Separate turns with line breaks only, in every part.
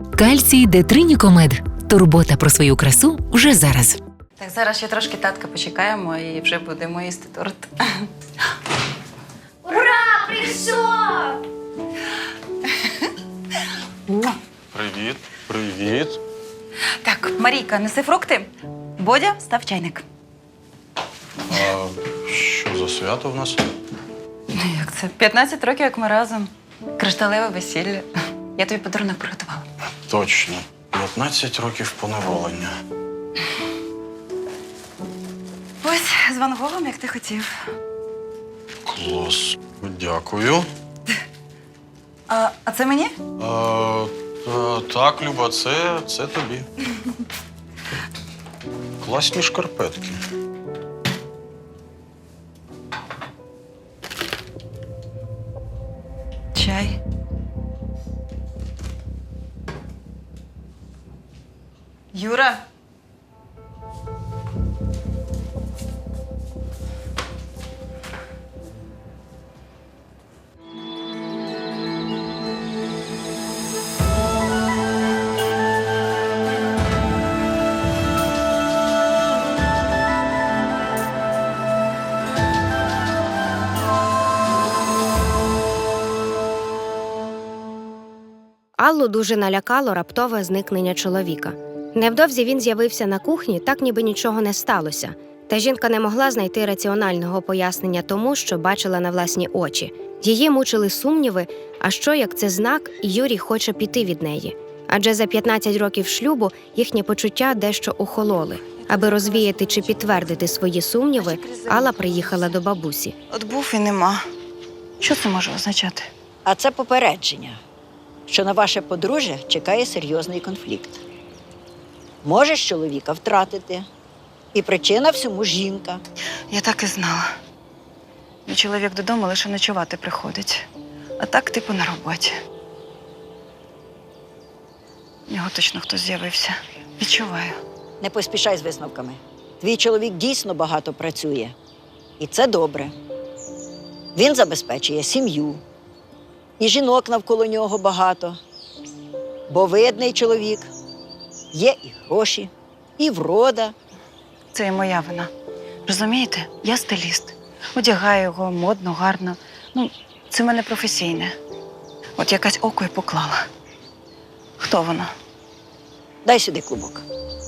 Кальцій Детринікомед. Турбота про свою красу вже зараз.
Так, зараз ще трошки татка почекаємо і вже будемо їсти торт.
Ура! Прийшов!
Привіт, привіт.
Так, Марійка, неси фрукти. Бодя, став чайник.
А що за свято в нас?
Як це? 15 років, як ми разом. Кришталеве весілля. Я тобі подарунок приготувала.
Точно. 15 років поневолення.
Ось з Ван Гогом, як ти хотів.
Клас. Дякую.
А це мені?
Так, Люба, це тобі. Класні шкарпетки.
Чай. Юра.
Аллу дуже налякало раптове зникнення чоловіка. Невдовзі він з'явився на кухні, так ніби нічого не сталося. Та жінка не могла знайти раціонального пояснення тому, що бачила на власні очі. Її мучили сумніви, а що, як це знак, і Юрій хоче піти від неї. Адже за 15 років шлюбу їхні почуття дещо охололи. Аби розвіяти чи підтвердити свої сумніви, Алла приїхала до бабусі.
От був і нема. Що це може означати?
А це попередження, що на ваше подружжя чекає серйозний конфлікт. Можеш чоловіка втратити. І причина всьому жінка.
Я так і знала. Мій чоловік додому лише ночувати приходить. А так, типу, на роботі. У нього точно хтось з'явився. Відчуваю.
Не поспішай з висновками. Твій чоловік дійсно багато працює. І це добре. Він забезпечує сім'ю. І жінок навколо нього багато. Бо видний чоловік. Є і гроші, і врода.
Це і моя вина. Розумієте? Я стиліст. Одягаю його модно, гарно. Це в мене професійне. От якась око й поклала. Хто вона?
Дай сюди клубок.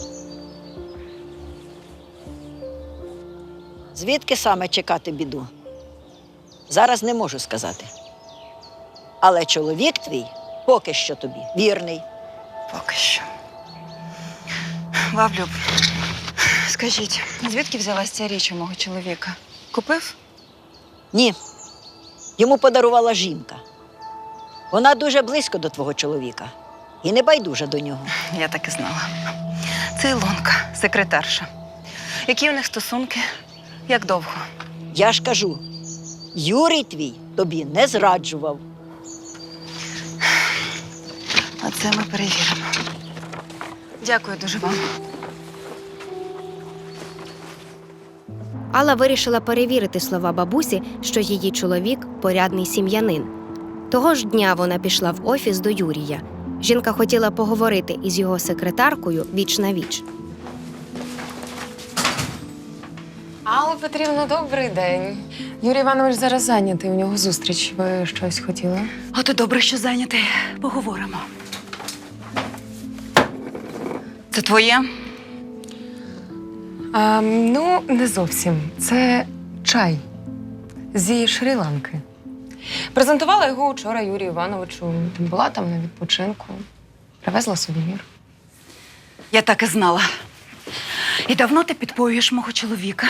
Звідки саме чекати біду? Зараз не можу сказати. Але чоловік твій поки що тобі вірний.
Поки що. Баблюб, скажіть, звідки взялась ця річ у мого чоловіка? Купив?
Ні. Йому подарувала жінка. Вона дуже близько до твого чоловіка. І не байдужа до нього.
Я так і знала. Це Ілонка, секретарша. Які у них стосунки? Як довго?
Я ж кажу, Юрій твій тобі не зраджував.
А це ми перевіримо. Дякую дуже вам.
Алла вирішила перевірити слова бабусі, що її чоловік – порядний сім'янин. Того ж дня вона пішла в офіс до Юрія. Жінка хотіла поговорити із його секретаркою віч-навіч.
Алла Петрівна, добрий день. Юрій Іванович зараз зайнятий, у нього зустріч. Ви щось хотіли?
От і добре, що зайнятий. Поговоримо. Це твоє?
Ну, не зовсім. Це чай зі Шрі-Ланки. Презентувала його вчора Юрію Івановичу. Була там на відпочинку. Привезла сувенір.
Я так і знала. І давно ти підпоюєш мого чоловіка?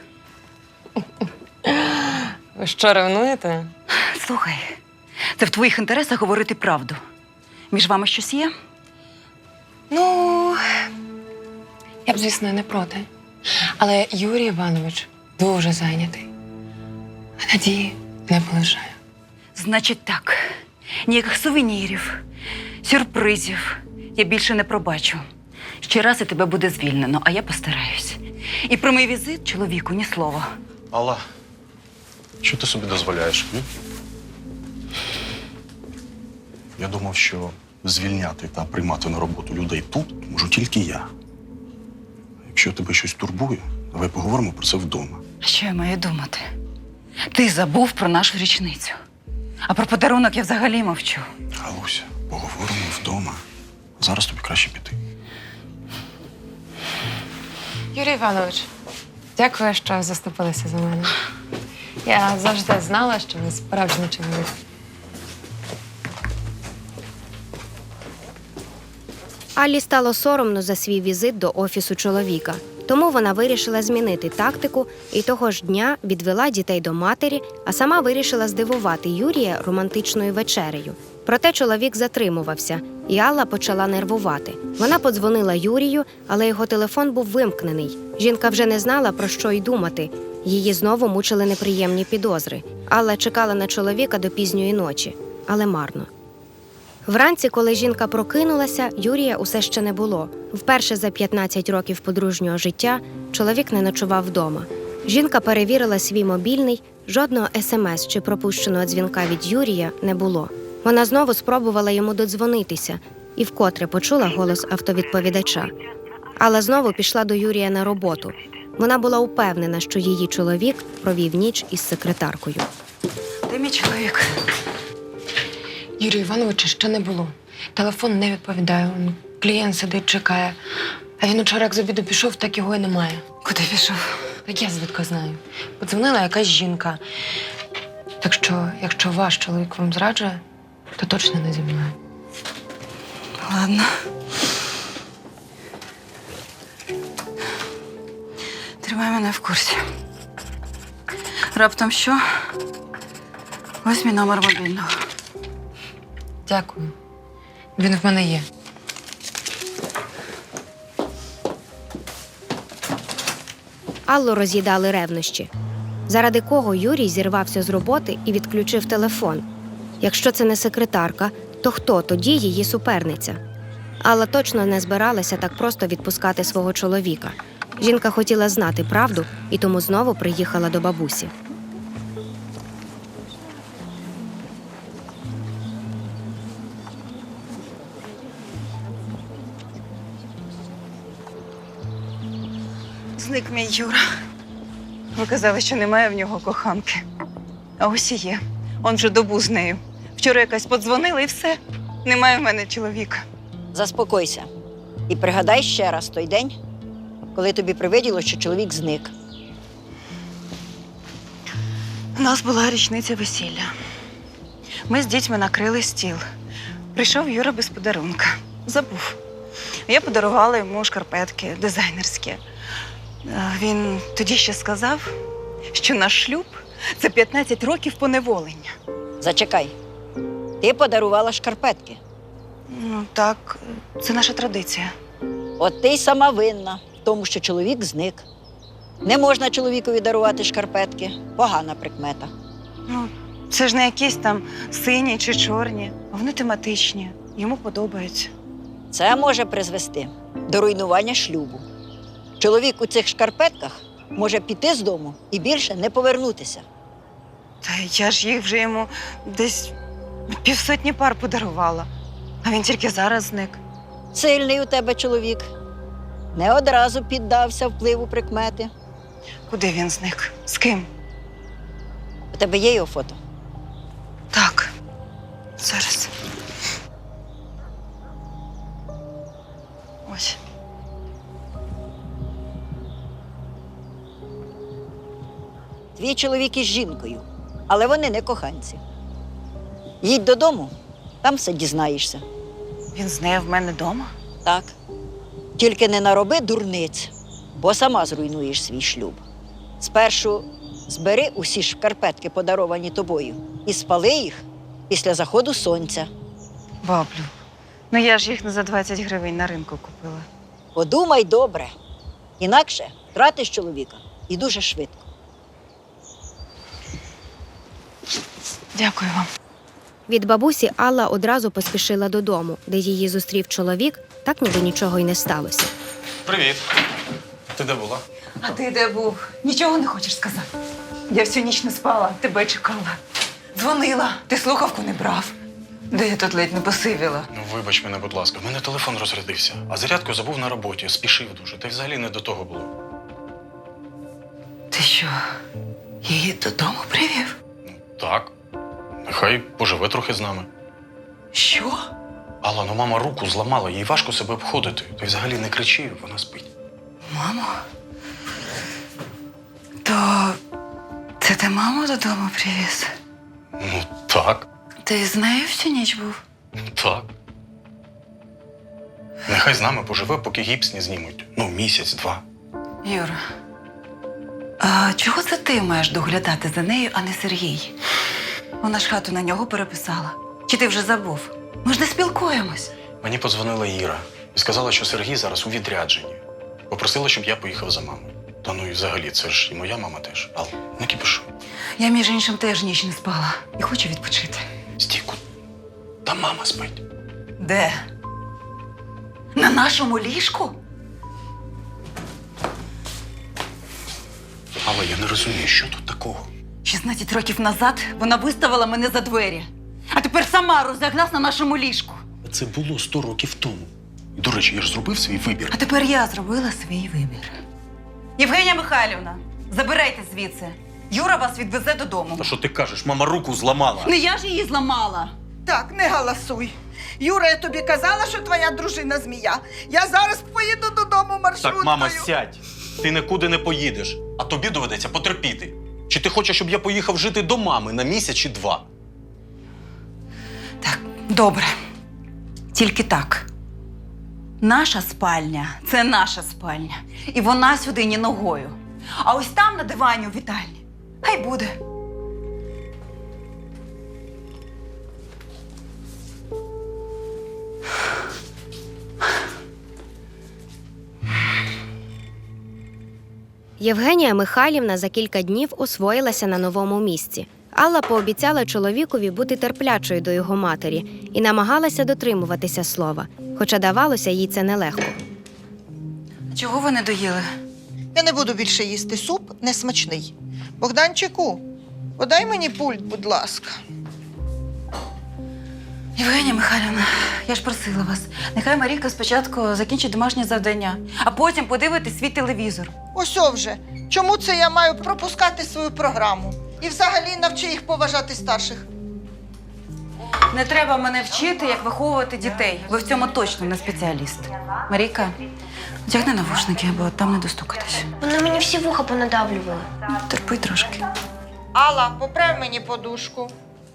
Ви що, ревнуєте?
Слухай, це в твоїх інтересах говорити правду. Між вами щось є?
Ну, я б, звісно, не проти. Але Юрій Іванович дуже зайнятий. А надії не полишає.
Значить так, ніяких сувенірів, сюрпризів я більше не пробачу. Ще раз і тебе буде звільнено, а я постараюсь. І про мій візит чоловіку ні слова.
Алла, що ти собі дозволяєш? М? Я думав, що звільняти та приймати на роботу людей тут можу тільки я. Якщо тебе щось турбує, давай поговоримо про це вдома.
А що я маю думати? Ти забув про нашу річницю. А про подарунок я взагалі мовчу.
Галуся, поговоримо вдома. Зараз тобі краще піти.
Юрій Іванович, дякую, що заступилися за мене. Я завжди знала, що ви справжній чоловік.
Аллі стало соромно за свій візит до офісу чоловіка. Тому вона вирішила змінити тактику і того ж дня відвела дітей до матері, а сама вирішила здивувати Юрія романтичною вечерею. Проте чоловік затримувався, і Алла почала нервувати. Вона подзвонила Юрію, але його телефон був вимкнений. Жінка вже не знала, про що й думати. Її знову мучили неприємні підозри. Алла чекала на чоловіка до пізньої ночі, але марно. Вранці, коли жінка прокинулася, Юрія усе ще не було. Вперше за 15 років подружнього життя чоловік не ночував вдома. Жінка перевірила свій мобільний, жодного смс чи пропущеного дзвінка від Юрія не було. Вона знову спробувала йому додзвонитися і вкотре почула голос автовідповідача. Алла знову пішла до Юрія на роботу. Вона була упевнена, що її чоловік провів ніч із секретаркою.
Ти мій чоловік.
Юрія Івановича ще не було. Телефон не відповідає. Клієнт сидить, чекає. А він учора як з обіду пішов, так його і немає.
Куди пішов?
Так я звідки знаю. Подзвонила якась жінка. Так що, якщо ваш чоловік вам зраджує, то точно не зі мною.
Ладно. Тримай мене в курсі. Раптом що? Ось мій номер мобільного.
Дякую. Він в мене є.
Аллу роз'їдали ревнощі. Заради кого Юрій зірвався з роботи і відключив телефон? Якщо це не секретарка, то хто тоді її суперниця? Алла точно не збиралася так просто відпускати свого чоловіка. Жінка хотіла знати правду і тому знову приїхала до бабусі.
Зник мій Юра. Ви казали, що немає в нього коханки. А ось і є. Он вже добу з нею. Вчора якась подзвонила і все. Немає в мене чоловіка.
Заспокойся. І пригадай ще раз той день, коли тобі привиділо, що чоловік зник.
У нас була річниця весілля. Ми з дітьми накрили стіл. Прийшов Юра без подарунка. Забув. Я подарувала йому шкарпетки дизайнерські. Він тоді ще сказав, що наш шлюб – це 15 років поневолення.
Зачекай. Ти подарувала шкарпетки.
Ну так, це наша традиція.
От ти й сама винна в тому, що чоловік зник. Не можна чоловікові дарувати шкарпетки. Погана прикмета.
Ну, це ж не якісь там сині чи чорні. Вони тематичні. Йому подобаються.
Це може призвести до руйнування шлюбу. Чоловік у цих шкарпетках може піти з дому і більше не повернутися.
Та я ж їх вже йому десь 50 пар подарувала. А він тільки зараз зник.
Сильний у тебе чоловік. Не одразу піддався впливу прикмети.
Куди він зник? З ким?
У тебе є його фото?
Так. Зараз. Ось.
Твій чоловік із жінкою, але вони не коханці. Їдь додому, там все дізнаєшся.
Він з нею в мене вдома?
Так. Тільки не нароби дурниць, бо сама зруйнуєш свій шлюб. Спершу збери усі шкарпетки, подаровані тобою, і спали їх після заходу сонця.
Баблю, ну я ж їх не за 20 гривень на ринку купила.
Подумай добре, інакше втратиш чоловіка і дуже швидко.
Дякую вам.
Від бабусі Алла одразу поспішила додому, де її зустрів чоловік, так ніби нічого й не сталося.
Привіт. Ти де була?
А ти де був? Нічого не хочеш сказати? Я всю ніч не спала, тебе чекала. Дзвонила, ти слухавку не брав. Де я тут ледь не посивіла?
Ну, вибач мене, будь ласка, в мене телефон розрядився, а зарядку забув на роботі, спішив дуже, та й взагалі не до того було.
Ти що, її додому привів?
Ну, так. Нехай поживе трохи з нами.
Що?
Алла, ну мама руку зламала, їй важко себе обходити. Та й взагалі не кричи, вона спить.
Мамо? То це ти маму додому привіз?
Ну, так,
Ти з нею всю ніч був?
так. Нехай з нами поживе, поки гіпс не знімуть. Ну, місяць-два.
Юра, а чого це ти маєш доглядати за нею, а не Сергій? Вона ж хату на нього переписала. Чи ти вже забув? Ми ж не спілкуємось.
Мені подзвонила Іра і сказала, що Сергій зараз у відрядженні. Попросила, щоб я поїхав за мамою. Та ну і взагалі, це ж і моя мама теж. Ал, не кипішу.
Я, між іншим, теж ніч не спала і хочу відпочити.
Стійку, та мама спить.
Де? На нашому ліжку?
Але я не розумію, що тут такого.
16 років назад вона виставила мене за двері. А тепер сама розляглась на нашому ліжку.
Це було 100 років тому. І, до речі, я ж зробив свій вибір.
А тепер я зробила свій вибір. Євгенія Михайлівна, забирайте звідси. Юра вас відвезе додому.
Та що ти кажеш? Мама руку зламала.
Не я ж її зламала.
Так, не галасуй. Юра, я тобі казала, що твоя дружина змія. Я зараз поїду додому маршруткою.
Так, мама, сядь. Ти нікуди не поїдеш, а тобі доведеться потерпіти. Чи ти хочеш, щоб я поїхав жити до мами на місяць чи 2?
Так, добре. Тільки так. Наша спальня – це наша спальня. І вона сюди ні ногою. А ось там на дивані у вітальні. Хай буде.
Євгенія Михайлівна за кілька днів освоїлася на новому місці. Алла пообіцяла чоловікові бути терплячою до його матері і намагалася дотримуватися слова, хоча давалося їй це нелегко.
Чого ви не доїли?
Я не буду більше їсти суп, несмачний. Богданчику, подай мені пульт, будь ласка.
Євгенія Михайлівна, я ж просила вас, нехай Марійка спочатку закінчить домашнє завдання, а потім подивитись свій телевізор.
Ось вже. Чому це я маю пропускати свою програму? І взагалі навчи їх поважати старших.
Не треба мене вчити, як виховувати дітей. Ви в цьому точно не спеціаліст. Марійка, одягни навушники, бо там не достукатись.
Вони мені всі вуха понадавлювали.
Терпи трошки.
Алла, поправ мені подушку.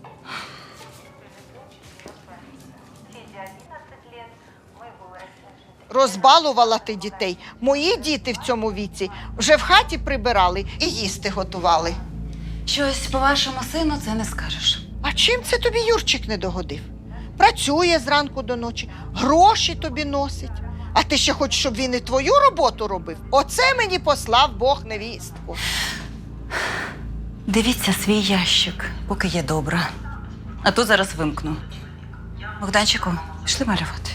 Розбалувала ти дітей. Мої діти в цьому віці вже в хаті прибирали і їсти готували.
Щось по вашому сину це не скажеш.
А чим це тобі Юрчик не догодив? Працює зранку до ночі, гроші тобі носить. А ти ще хочеш, щоб він і твою роботу робив? Оце мені послав Бог невістку.
Дивіться свій ящик, поки є добра. А то зараз вимкну. Богданчику, пішли малювати.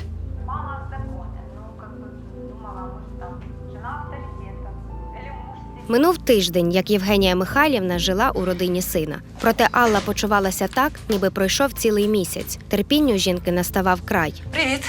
Минув тиждень, як Євгенія Михайлівна жила у родині сина. Проте Алла почувалася так, ніби пройшов цілий місяць. Терпінню жінки наставав край.
Привіт.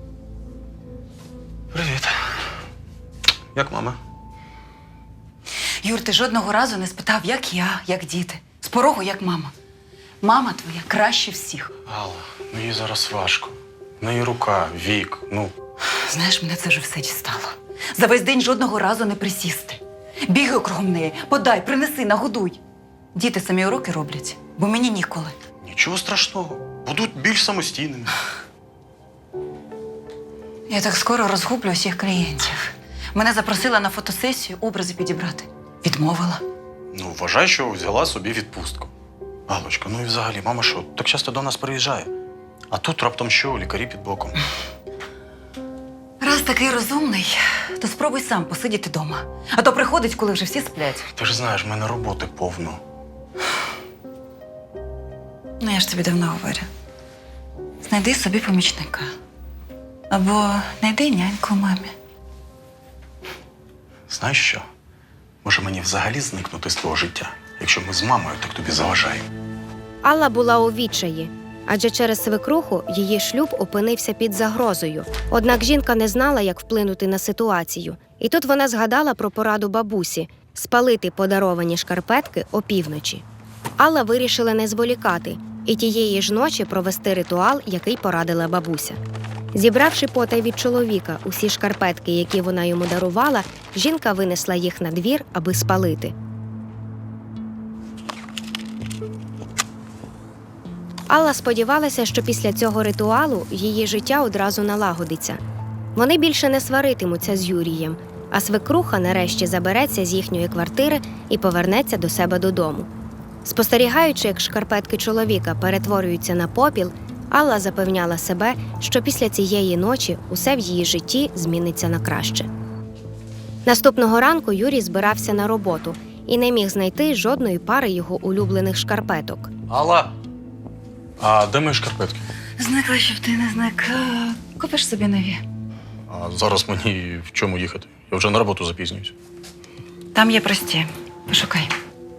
Привіт. Як мама?
Юр, ти жодного разу не спитав, як я, як діти. З порогу, як мама. Мама твоя краще всіх.
Алла, ну їй зараз важко. В неї рука, вік, ну.
Знаєш, мене це вже все дістало. За весь день жодного разу не присісти. Бігай кругом неї, подай, принеси, нагодуй. Діти самі уроки роблять, бо мені ніколи.
Нічого страшного. Будуть більш самостійними.
Я так скоро розгублю усіх клієнтів. Мене запросила на фотосесію образи підібрати. Відмовила.
Ну, вважай, що взяла собі відпустку. Галочка, ну і взагалі, мама що, так часто до нас приїжджає? А тут раптом що, лікарі під боком.
Раз такий розумний, то спробуй сам посидіти вдома. А то приходить, коли вже всі сплять.
Ти ж знаєш, в мене роботи повно.
Ну, я ж тобі давно говорю. Знайди собі помічника. Або знайди няньку мамі.
Знаєш що? Може мені взагалі зникнути з твого життя, якщо ми з мамою так тобі заважаємо?
Алла була у відчаї. адже через свекруху її шлюб опинився під загрозою. Однак жінка не знала, як вплинути на ситуацію. І тут вона згадала про пораду бабусі – спалити подаровані шкарпетки опівночі. Алла вирішила не зволікати і тієї ж ночі провести ритуал, який порадила бабуся. Зібравши потай від чоловіка усі шкарпетки, які вона йому дарувала, жінка винесла їх на двір, аби спалити. Алла сподівалася, що після цього ритуалу її життя одразу налагодиться. Вони більше не сваритимуться з Юрієм, а свекруха нарешті забереться з їхньої квартири і повернеться до себе додому. Спостерігаючи, як шкарпетки чоловіка перетворюються на попіл, Алла запевняла себе, що після цієї ночі усе в її житті зміниться на краще. Наступного ранку Юрій збирався на роботу і не міг знайти жодної пари його улюблених шкарпеток.
Алла! А де мої шкарпетки?
Зникла, щоб ти не зник. Купиш собі нові.
А зараз мені в чому їхати? Я вже на роботу запізнююсь.
Там є прості. Пошукай.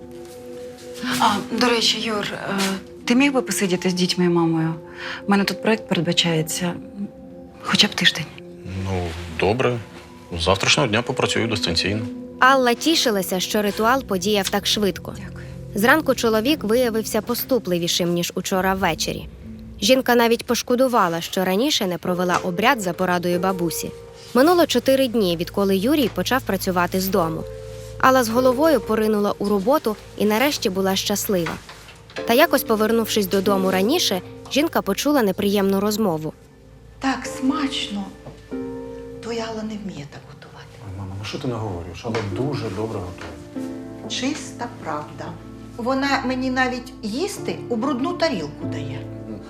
До речі, Юр, ти міг би посидіти з дітьми і мамою? У мене тут проєкт передбачається хоча б тиждень.
Ну, добре. З завтрашнього дня попрацюю дистанційно.
Алла тішилася, що ритуал подіяв так швидко.
Дякую.
Зранку чоловік виявився поступливішим, ніж учора ввечері. Жінка навіть пошкодувала, що раніше не провела обряд за порадою бабусі. Минуло 4 дні, відколи Юрій почав працювати з дому. Алла з головою поринула у роботу і нарешті була щаслива. Та якось, повернувшись додому раніше, жінка почула неприємну розмову.
Так смачно. Твоя Алла не вміє так готувати.
Мама, ну що ти наговорюєш? Але дуже добре готує.
Чиста правда. Вона мені навіть їсти у брудну тарілку дає.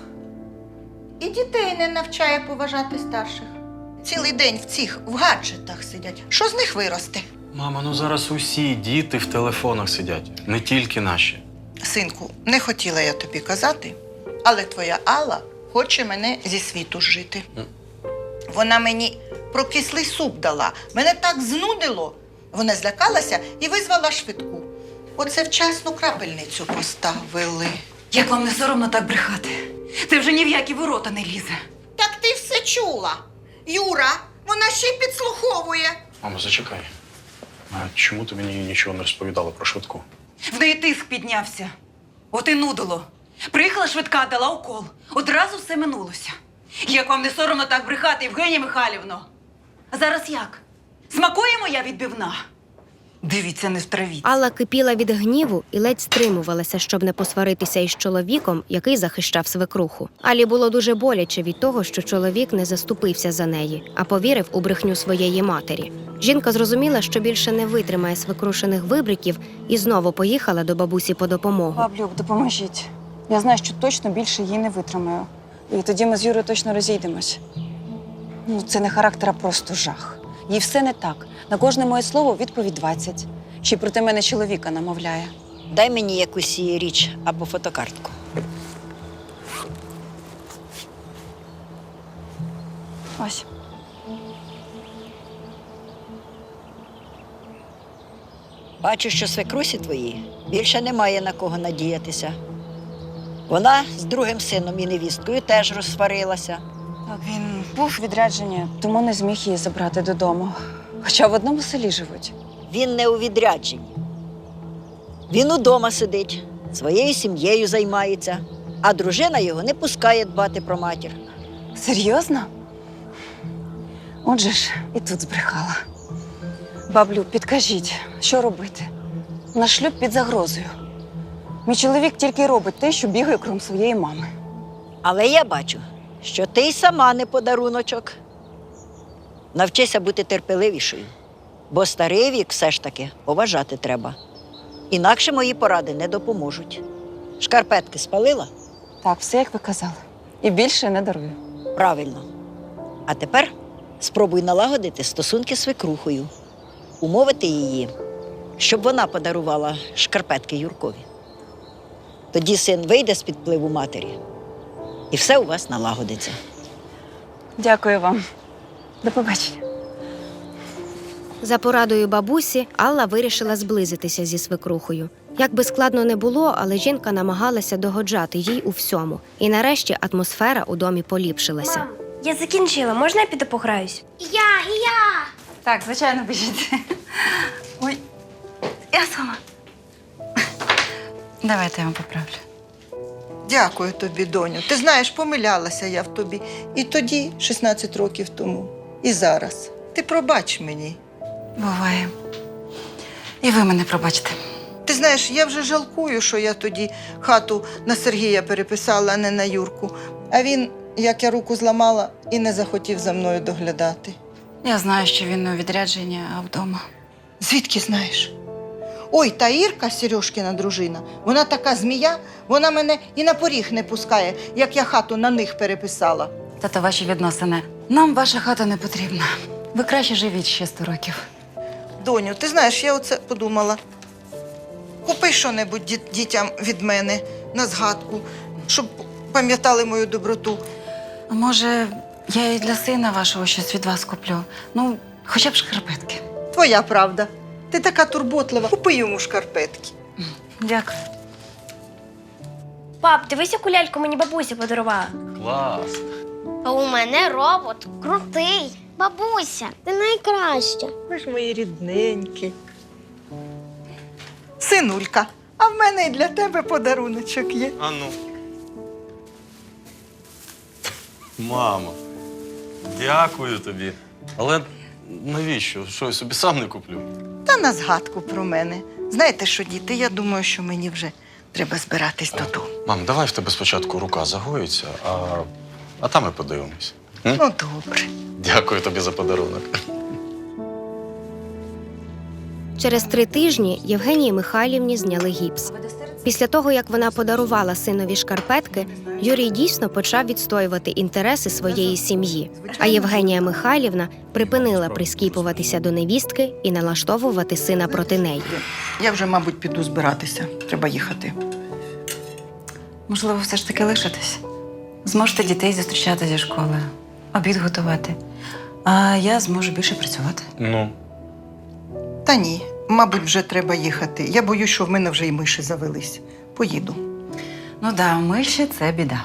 І дітей не навчає поважати старших. Цілий день в гаджетах сидять. Що з них виросте?
Мама, ну зараз усі діти в телефонах сидять, не тільки наші.
Синку, не хотіла я тобі казати, але твоя Алла хоче мене зі світу зжити. Вона мені прокислий суп дала. Мене так знудило. Вона злякалася і визвала швидку. Оце вчасно крапельницю поставили.
Як вам не соромно так брехати? Ти вже ні в які ворота не лізе.
Так ти все чула. Юра, вона ще й підслуховує.
Мамо, зачекай. А чому ти мені нічого не розповідала про швидку?
В неї тиск піднявся. От і нудило. Приїхала швидка, дала укол. Одразу все минулося. Як вам не соромно так брехати, Євгенія Михайлівно? А зараз як? Смакує моя відбивна? Дивіться, не втравіть.
Алла кипіла від гніву і ледь стримувалася, щоб не посваритися із чоловіком, який захищав свекруху. Алі було дуже боляче від того, що чоловік не заступився за неї, а повірив у брехню своєї матері. Жінка зрозуміла, що більше не витримає свекрушених вибриків і знову поїхала до бабусі по допомогу.
Баблюк, допоможіть. Я знаю, що точно більше її не витримаю. І тоді ми з Юрою точно розійдемось. Ну, це не характер, а просто жах. Їй все не так. На кожне моє слово відповідь 20. Ще й проти мене чоловіка намовляє.
Дай мені якусь її річ або фотокартку.
Ось.
Бачу, що свекрусі твої більше немає на кого надіятися. Вона з другим сином і невісткою теж розсварилася.
Так, він був у відрядженні, тому не зміг її забрати додому. Хоча в одному селі живуть.
Він не у відрядженні. Він удома сидить, своєю сім'єю займається, а дружина його не пускає дбати про матір.
Серйозно? Отже ж, і тут збрехала. Баблю, підкажіть, що робити? Наш шлюб під загрозою. Мій чоловік тільки робить те, що бігає крім своєї мами.
Але я бачу, що ти й сама не подаруночок. Навчися бути терпеливішою, бо старий вік все ж таки поважати треба. Інакше мої поради не допоможуть. Шкарпетки спалила?
Так, все, як ви казали. І більше не дарую.
Правильно. А тепер спробуй налагодити стосунки з свекрухою. Умовити її, щоб вона подарувала шкарпетки Юркові. Тоді син вийде з-під впливу матері, і все у вас налагодиться.
Дякую вам. До побачення.
За порадою бабусі Алла вирішила зблизитися зі свекрухою. Як би складно не було, але жінка намагалася догоджати їй у всьому. І нарешті атмосфера у домі поліпшилася.
Мам, я закінчила. Можна я піду пограюсь? І я.
Так, звичайно, біжіть. Ой, я сама. Давайте я вам поправлю.
Дякую тобі, доню. Ти знаєш, помилялася я в тобі. І тоді, 16 років тому, і зараз. Ти пробач мені.
Буває. І ви мене пробачте.
Ти знаєш, я вже жалкую, що я тоді хату на Сергія переписала, а не на Юрку. А він, як я руку зламала, і не захотів за мною доглядати.
Я знаю, що він у відрядженні, а вдома.
Звідки знаєш? Ой, та Ірка, Сережкина дружина, вона така змія, вона мене і на поріг не пускає, як я хату на них переписала.
Тато, ваші відносини. Нам ваша хата не потрібна. Ви краще живіть ще 100 років.
Доню, ти знаєш, я оце подумала. Купи що-небудь дітям від мене на згадку, щоб пам'ятали мою доброту.
А може, я і для сина вашого щось від вас куплю? Ну, хоча б шкарпетки.
Твоя правда. Ти така турботлива. Купи йому шкарпетки.
Дякую.
Пап, дивись, яку ляльку мені бабуся подарувала.
Клас.
А у мене робот крутий. Бабуся, ти найкраща.
Ви ж мої рідненькі. Синулька, а в мене і для тебе подаруночок є.
А ну. Мамо, дякую тобі. Але навіщо? Що я собі сам не куплю?
Та на згадку про мене. Знаєте що, діти, я думаю, що мені вже треба збиратись додому.
Мам, давай в тебе спочатку рука загоїться, а там ми подивимось. М?
Ну, добре.
Дякую тобі за подарунок.
Через 3 тижні Євгенії Михайлівні зняли гіпс. Після того, як вона подарувала синові шкарпетки, Юрій дійсно почав відстоювати інтереси своєї сім'ї. А Євгенія Михайлівна припинила прискіпуватися до невістки і налаштовувати сина проти неї.
Я вже, мабуть, піду збиратися. Треба їхати.
Можливо, все ж таки лишитесь. Зможете дітей зустрічати зі школи, обід готувати. А я зможу більше працювати.
Ну,
Та ні, мабуть, вже треба їхати. Я боюсь, що в мене вже й миші завелись. Поїду.
Ну да, миші – це біда.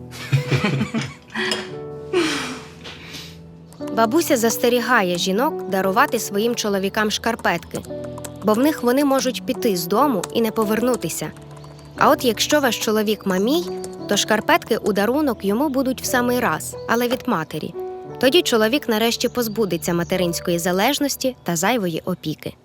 Бабуся застерігає жінок дарувати своїм чоловікам шкарпетки, бо в них вони можуть піти з дому і не повернутися. А от якщо ваш чоловік мамій, то шкарпетки у дарунок йому будуть в самий раз, але від матері. Тоді чоловік нарешті позбудеться материнської залежності та зайвої опіки.